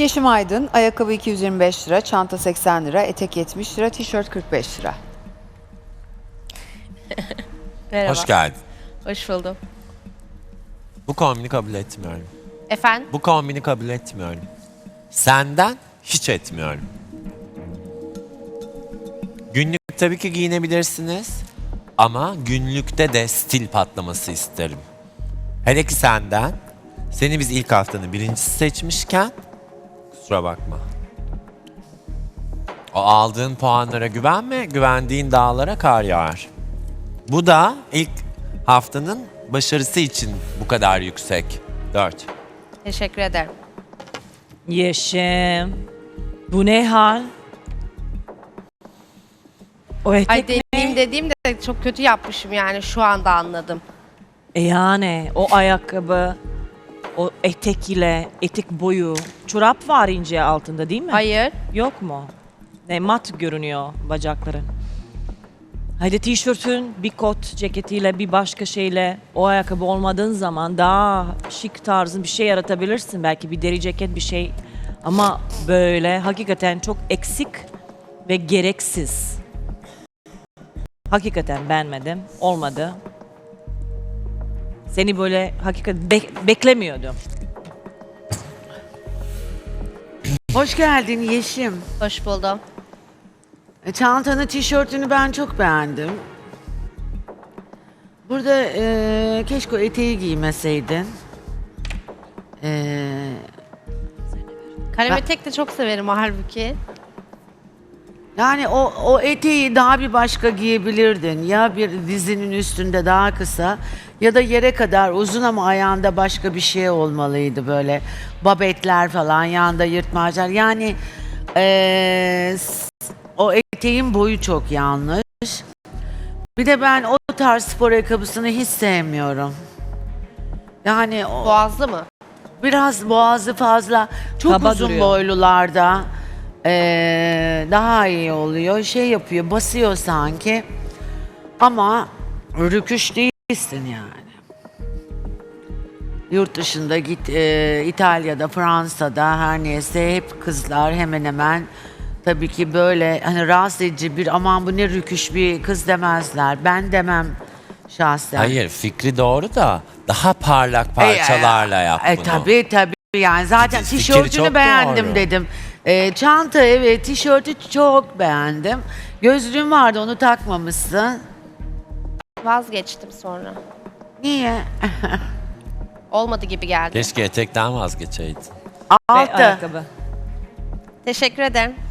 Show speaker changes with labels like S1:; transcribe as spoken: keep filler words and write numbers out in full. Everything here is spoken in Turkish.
S1: Yeşim Aydın, ayakkabı iki yüz yirmi beş lira, çanta seksen lira, etek yetmiş lira, tişört kırk beş lira.
S2: Merhaba.
S3: Hoş geldin.
S2: Hoş buldum.
S3: Bu kombini kabul etmiyorum.
S2: Efendim?
S3: Bu kombini kabul etmiyorum. Senden hiç etmiyorum. Günlük tabii ki giyinebilirsiniz. Ama günlükte de stil patlaması isterim. Hele ki senden. Seni biz ilk haftanın birincisi seçmişken kusura bakma. O aldığın puanlara güvenme, güvendiğin dağlara kar yağar. Bu da ilk haftanın başarısı için bu kadar yüksek. Dört.
S2: Teşekkür ederim.
S4: Yeşim. Bu ne hal? O etek
S2: Ay
S4: ne?
S2: dediğim dediğim de çok kötü yapmışım yani şu anda anladım.
S4: E yani o ayakkabı, o etek ile etek boyu. Çorap var ince altında değil mi?
S2: Hayır.
S4: Yok mu? Ne mat görünüyor bacakların. Haydi tişörtün bir kot ceketiyle bir başka şeyle o ayakkabı olmadığın zaman daha şık tarzın bir şey yaratabilirsin. Belki bir deri ceket bir şey. Ama böyle hakikaten çok eksik ve gereksiz. Hakikaten beğenmedim. Olmadı. Seni böyle hakikaten bek- beklemiyordum.
S5: Hoş geldin Yeşim.
S2: Hoş buldum.
S5: E, Çantanı, tişörtünü ben çok beğendim. Burada e, keşke o eteği giymeseydin. E,
S2: Kalem
S5: Ben-
S2: etek de çok severim halbuki.
S5: yani o, o eteği daha bir başka giyebilirdin. Ya bir dizinin üstünde daha kısa ya da yere kadar uzun ama ayağında başka bir şey olmalıydı böyle. Babetler falan, yanında yırtmaçlar. Yani e, s- o eteğin boyu çok yanlış. Bir de ben o tarz spor ayakkabısını hiç sevmiyorum. Yani o,
S2: Boğazlı mı?
S5: biraz boğazı fazla, çok
S4: Kaba
S5: uzun
S4: duruyor.
S5: boylularda eee, daha iyi oluyor. Şey yapıyor, basıyor sanki. Ama rüküş değilsin yani. Yurt dışında git, eee, İtalya'da, Fransa'da her neyse hep kızlar hemen hemen tabii ki böyle hani rahatsız edici bir aman bu ne rüküş bir kız demezler. Ben demem şahsen.
S3: Hayır, fikri doğru da daha parlak parçalarla yap
S5: E,
S3: bunu.
S5: tabii tabii yani zaten
S3: Fikri
S5: tişörtünü
S3: çok
S5: beğendim
S3: doğru.
S5: dedim. E, çanta evet, tişörtü çok beğendim. Gözlüğün vardı, onu takmamışsın.
S2: Vazgeçtim sonra.
S5: Niye?
S2: Olmadı gibi geldi.
S3: Keşke etekten vazgeçeydin.
S4: Ve
S5: Altı.
S4: ayakkabı.
S2: Teşekkür ederim.